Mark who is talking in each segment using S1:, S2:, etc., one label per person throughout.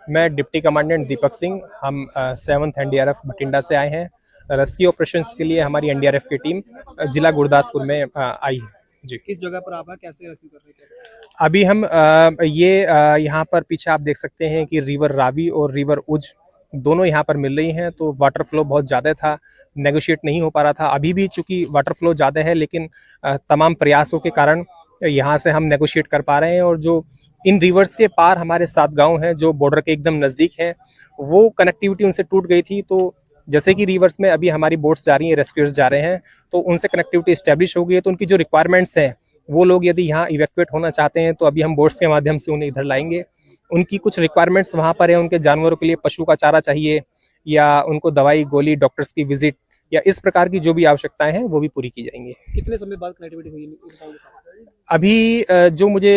S1: मैं deputy commandant दीपक सिंह। हम 7th NDRF Bathinda से आए हैं। रेस्क्यू ऑपरेशंस के लिए हमारी एनडीआरएफ की टीम जिला गुरदासपुर में आई है जी।
S2: किस जगह पर आप हैं, कैसे रेस्क्यू कर रहे थे?
S1: अभी हम यहाँ पर पीछे आप देख सकते हैं कि रिवर रावी और रिवर उज दोनों यहाँ पर मिल रही हैं, तो वाटर फ्लो बहुत ज़्यादा था, नेगोशिएट नहीं हो पा रहा था। अभी भी चूंकि वाटर फ्लो ज़्यादा है, लेकिन तमाम प्रयासों के कारण यहाँ से हम नेगोशिएट कर पा रहे हैं। और जो इन रिवर्स के पार हमारे 7 गांव हैं जो बॉर्डर के एकदम नज़दीक हैं, वो कनेक्टिविटी उनसे टूट गई थी। तो जैसे कि रिवर्स में अभी हमारी बोट्स जा रही हैं, रेस्क्यूअर्स जा रहे हैं, तो उनसे कनेक्टिविटी इस्टेब्लिश हो गई है। तो उनकी जो रिक्वायरमेंट्स हैं, वो लोग यदि यहाँ इवैक्यूएट होना चाहते हैं तो अभी हम बोट्स के माध्यम से उन्हें इधर लाएंगे। उनकी कुछ रिक्वायरमेंट्स वहाँ पर है, उनके जानवरों के लिए पशु का चारा चाहिए या उनको दवाई गोली, डॉक्टर्स की विजिट या इस प्रकार की जो भी आवश्यकताएं हैं वो भी पूरी की जाएंगी।
S2: कितने समय बाद कनेक्टिविटी हुई इन गाँव के साथ?
S1: अभी जो मुझे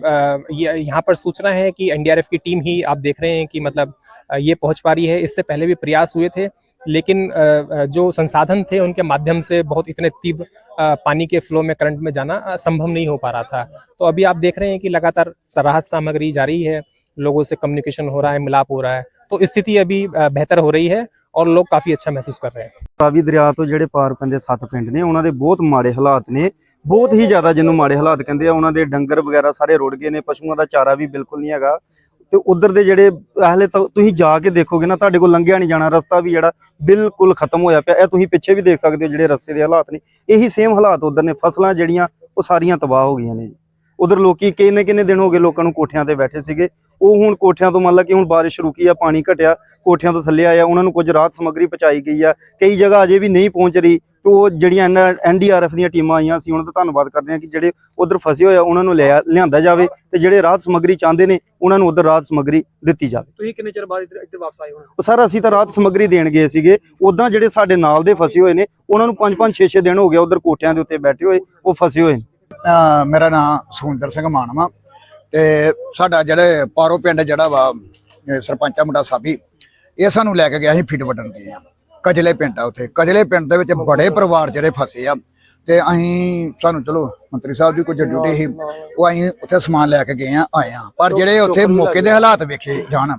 S1: यहाँ पर सूचना है कि एनडीआरएफ की टीम ही आप देख रहे हैं कि मतलब ये पहुंच पा रही है। इससे पहले भी प्रयास हुए थे, लेकिन जो संसाधन थे उनके माध्यम से बहुत इतने तीव्र पानी के फ्लो में, करंट में जाना संभव नहीं हो पा रहा था। तो अभी आप देख रहे हैं कि लगातार राहत सामग्री जा रही है, लोगों से कम्युनिकेशन हो रहा है, मिलाप हो रहा है, तो स्थिति अभी बेहतर हो रही है और लोग काफी अच्छा महसूस कर रहे हैं।
S3: ਰਾਵੀ ਦਰਿਆ ਤੋਂ ਜਿਹੜੇ ਪਾਰ ਪੈਂਦੇ 7 ਪਿੰਡ ਨੇ, ਉਹਨਾਂ ਦੇ ਬਹੁਤ ਮਾੜੇ ਹਾਲਾਤ ਨੇ, ਬਹੁਤ ਹੀ ਜ਼ਿਆਦਾ, ਜਿਹਨੂੰ ਮਾੜੇ ਹਾਲਾਤ ਕਹਿੰਦੇ ਆ। ਉਹਨਾਂ ਦੇ ਡੰਗਰ ਵਗੈਰਾ ਸਾਰੇ ਰੁੜ ਗਏ ਨੇ, ਪਸ਼ੂਆਂ ਦਾ ਚਾਰਾ ਵੀ ਬਿਲਕੁਲ ਨਹੀਂ ਹੈਗਾ। ਤੇ ਉਧਰ ਦੇ ਜਿਹੜੇ ਹਲੇ ਤੱਕ ਤੁਸੀਂ ਜਾ ਕੇ ਦੇਖੋਗੇ ਨਾ, ਤੁਹਾਡੇ ਕੋਲ ਲੰਘਿਆ ਨਹੀਂ ਜਾਣਾ, ਰਸਤਾ ਵੀ ਜਿਹੜਾ ਬਿਲਕੁਲ ਖਤਮ ਹੋਇਆ ਪਿਆ। ਇਹ ਤੁਸੀਂ ਪਿੱਛੇ ਵੀ ਦੇਖ ਸਕਦੇ ਹੋ ਜਿਹੜੇ ਰਸਤੇ ਦੇ ਹਾਲਾਤ ਨੇ, ਇਹੀ ਸੇਮ ਹਾਲਾਤ ਉਧਰ ਨੇ। ਫਸਲਾਂ ਜਿਹੜੀਆਂ ਉਹ ਸਾਰੀਆਂ ਤਬਾਹ ਹੋ ਗਈਆਂ ਨੇ ਜੀ। ਉਧਰ ਲੋਕੀ ਕਿੰਨੇ ਦਿਨ ਹੋ ਗਏ ਲੋਕਾਂ ਨੂੰ ਕੋਠਿਆਂ ਤੇ ਬੈਠੇ ਸੀਗੇ, ਉਹ ਹੁਣ ਕੋਠਿਆਂ ਤੋਂ ਮੰਨ ਲਾ ਕਿ ਹੁਣ ਬਾਰਿਸ਼ ਰੁਕੀ ਆ, ਪਾਣੀ ਘਟਿਆ, ਕੋਠਿਆਂ ਤੋਂ ਥੱਲੇ ਆਇਆ, ਉਹਨਾਂ ਨੂੰ ਕੁਝ ਰਾਹਤ ਸਮੱਗਰੀ ਪਹੁੰਚਾਈ ਗਈ ਆ। ਕਈ ਜਗ੍ਹਾ ਅਜੇ ਵੀ ਨਹੀਂ ਪਹੁੰਚ ਰਹੀ। ਤੇ ਉਹ ਜਿਹੜੀਆਂ ਐਨਡੀਆਰਐਫ ਦੀਆਂ ਟੀਮਾਂ ਆਈਆਂ ਸੀ, ਉਹਨਾਂ ਦਾ ਧੰਨਵਾਦ ਕਰਦੇ ਹਾਂ ਕਿ ਜਿਹੜੇ ਉਧਰ ਫਸੇ ਹੋਏ ਆ ਉਹਨਾਂ ਨੂੰ ਲਿਆਂਦਾ ਜਾਵੇ, ਤੇ ਜਿਹੜੇ ਰਾਹਤ ਸਮੱਗਰੀ ਚਾਹੁੰਦੇ ਨੇ ਉਹਨਾਂ ਨੂੰ ਉਧਰ ਰਾਹਤ ਸਮੱਗਰੀ ਦਿੱਤੀ ਜਾਵੇ।
S2: ਤੁਸੀਂ ਕਿੰਨੇ ਚਿਰ ਬਾਅਦ ਇੱਧਰ ਵਾਪਸ ਆਏ ਹੋ?
S3: ਉਹ ਸਰ ਅਸੀਂ ਤਾਂ ਰਾਹਤ ਸਮੱਗਰੀ ਦੇਣ ਗਏ ਸੀਗੇ। ਉਦਾਂ ਜਿਹੜੇ ਸਾਡੇ ਨਾਲ ਦੇ ਫਸੇ ਹੋਏ ਨੇ, ਉਹਨਾਂ ਨੂੰ 5-5 6-6 ਦਿਨ ਹੋ ਗਿਆ ਉਧਰ ਕੋਠਿਆਂ ਦੇ ਉੱਤੇ ਬੈਠੇ ਹੋਏ, ਉਹ ਫਸੇ ਹੋਏ ਨੇ।
S4: ਮੇਰਾ ਨਾਮ ਸੁਖਿੰਦਰ ਸਿੰਘ ਮਾਨ ਵਾ ਤੇ ਸਾਡਾ ਜਿਹੜੇ ਪਾਰੋ ਪਿੰਡ ਜਿਹੜਾ ਵਾ ਸਰਪੰਚਾ ਮੁੰਡਾ ਸਾਬੀ, ਇਹ ਸਾਨੂੰ ਲੈ ਕੇ ਗਿਆ ਸੀ ਫੀਡ ਵੱਢਣ ਗਏ ਆ। ਕਜਲੇ ਪਿੰਡ ਆ, ਉੱਥੇ ਕਜਲੇ ਪਿੰਡ ਦੇ ਵਿੱਚ ਬੜੇ ਪਰਿਵਾਰ ਜਿਹੜੇ ਫਸੇ ਆ, ਤੇ ਅਸੀਂ ਸਾਨੂੰ ਚਲੋ ਮੰਤਰੀ ਸਾਹਿਬ ਦੀ ਕੁਝ ਡਿਊਟੀ ਸੀ, ਉਹ ਅਸੀਂ ਉੱਥੇ ਸਮਾਨ ਲੈ ਕੇ ਗਏ ਆ, ਆਏ ਆ। ਪਰ ਜਿਹੜੇ ਉੱਥੇ ਮੌਕੇ ਦੇ ਹਾਲਾਤ ਵੇਖੇ ਜਾਣ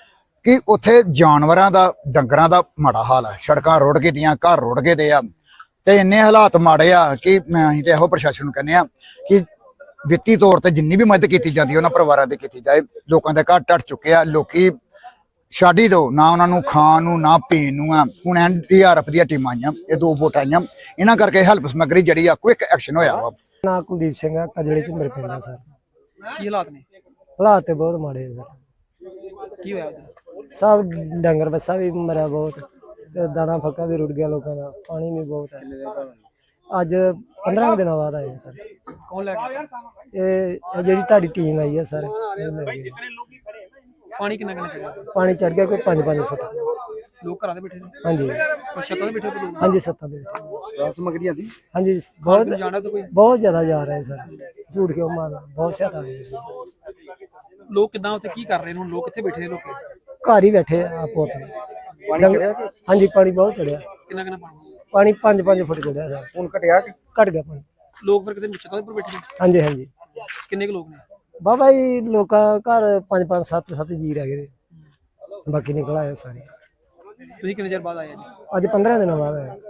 S4: ਕਿ ਉੱਥੇ ਜਾਨਵਰਾਂ ਦਾ, ਡੰਗਰਾਂ ਦਾ ਮਾੜਾ ਹਾਲ ਆ। ਸੜਕਾਂ ਰੁੜ ਗਏ ਦੀਆਂ, ਘਰ ਰੁੜ ਗਏ ਦੇ ਆ, ਤੇ ਇੰਨੇ ਹਾਲਾਤ ਮਾੜੇ ਆ ਕਿ ਅਸੀਂ ਤੇ ਇਹੋ ਪ੍ਰਸ਼ਾਸਨ ਨੂੰ ਕਹਿੰਦੇ ਆ ਕਿ ਵਿੱਤੀ ਤੌਰ ਤੇ ਜਿੰਨੀ ਵੀ ਮਦਦ ਕੀਤੀ ਜਾਂਦੀ ਉਹਨਾਂ ਪਰਿਵਾਰਾਂ ਦੀ ਕੀਤੀ ਜਾਏ। ਲੋਕਾਂ ਦੇ ਘਰ ਟੱਟ ਚੁੱਕੇ ਆ, ਲੋਕੀ ਛੱਡ ਹੀ ਦਿਓ ਨਾ, ਉਹਨਾਂ ਨੂੰ ਖਾਣ ਨੂੰ ਨਾ ਪੀਣ ਨੂੰ ਆ। ਹੁਣ ਐਨਡੀਆਰਐਫ ਦੀਆਂ ਟੀਮਾਂ ਆਈਆਂ, ਇਹ 2 ਵੋਟ ਆਈਆਂ, ਇਹਨਾਂ ਕਰਕੇ ਹੈਲਪ ਸਮੱਗਰੀ ਜਿਹੜੀ ਆ ਕੁਇਕ ਐਕਸ਼ਨ ਹੋਇਆ ਵਾ।
S5: ਨਾ ਕੁਲਦੀਪ ਸਿੰਘ ਆ, ਕਜਲੇ ਚ ਮੇਰੇ ਪਿੰਡ ਆ ਸਰ।
S2: ਕੀ ਹਾਲਾਤ ਨੇ?
S5: ਹਾਲਾਤ ਤੇ ਬਹੁਤ ਮਾੜੇ ਆ ਸਰ।
S2: ਕੀ ਹੋਇਆ ਉੱਧਰ?
S5: ਸਭ ਡੰਗਰ ਬੱਸਾ ਵੀ ਮਰਿਆ ਬਹੁਤ, ਤੇ ਦਾਣਾ ਫੱਕਾ ਵੀ ਰੁੜ ਗਿਆ ਲੋਕਾਂ ਦਾ, ਪਾਣੀ ਵੀ ਬਹੁਤ ਹੈ। ਅੱਜ 15 ਦਿਨਾਂ ਬਾਅਦ ਆਏ ਸਰ।
S2: ਕੌਣ ਲੈ ਕੇ?
S5: ਇਹ ਜਿਹੜੀ ਤੁਹਾਡੀ ਟੀਮ ਆਈ ਹੈ ਸਰ, ਇਹ ਲੈ ਗਈ।
S2: ਪਾਣੀ ਕਿੰਨਾ ਚੜਿਆ?
S5: ਪਾਣੀ ਚੜ ਗਿਆ ਕੋਈ 5-5 ਫੁੱਟ।
S2: ਲੋਕ ਘਰਾਂ ਦੇ ਬੈਠੇ ਨੇ?
S5: ਹਾਂਜੀ
S2: ਛੱਤਾਂ ਤੇ ਬੈਠੇ ਨੇ?
S5: ਹਾਂਜੀ, ਸੱਤਾਂ ਦੇ ਵਿੱਚ।
S3: ਰਾਹਤ ਸਮੱਗਰੀਆਂ ਦੀ
S5: ਹਾਂਜੀ ਬਹੁਤ
S2: ਜਾਣਾ ਤਾਂ ਕੋਈ
S5: ਬਹੁਤ ਜ਼ਿਆਦਾ ਜਾ ਰਹੇ ਸਰ, ਝੂਠ ਕਿਉਂ ਮਾਰਨਾ, ਬਹੁਤ ਜ਼ਿਆਦਾ ਆ ਰਹੇ।
S2: ਲੋਕ ਕਿੱਦਾਂ ਉੱਥੇ ਕੀ ਕਰ ਰਹੇ ਨੇ ਹੁਣ? ਲੋਕ ਕਿੱਥੇ ਬੈਠੇ ਨੇ? ਲੋਕ
S5: ਘਰ ਹੀ ਬੈਠੇ ਆ ਆਪੋ ਆਪਣੇ। ਹਾਂਜੀ ਪਾਣੀ ਬਹੁਤ ਚੜਿਆ,
S2: ਕਿੰਨਾ
S5: ਪਾਣੀ 5-5 ਫੁੱਟ ਚੜਿਆ ਸਰ।
S3: ਹੁਣ ਘਟਿਆ ਕਿ
S5: ਘਟ ਗਿਆ ਪਾਣੀ।
S2: ਲੋਕ ਫਿਰ ਕਿਤੇ ਛੱਤਾਂ ਦੇ ਉੱਪਰ ਬੈਠੇ ਨੇ?
S5: ਹਾਂਜੀ ਹਾਂਜੀ,
S2: ਕਿੰਨੇ ਕੁ ਲੋਕ ਨੇ?
S5: ਬਾਬਾ ਜੀ ਲੋਕਾਂ ਘਰ 5-5 7-7 ਜੀ ਰਹਿ ਗਏ, ਬਾਕੀ ਨਿਕਲ ਆਏ ਸਾਰੇ।
S2: ਤੁਸੀਂ ਕਿੰਨੇ ਚਿਰ ਬਾਅਦ ਆਏ ਜੀ?
S5: ਅੱਜ 15 ਦਿਨਾਂ ਬਾਅਦ ਆਏ।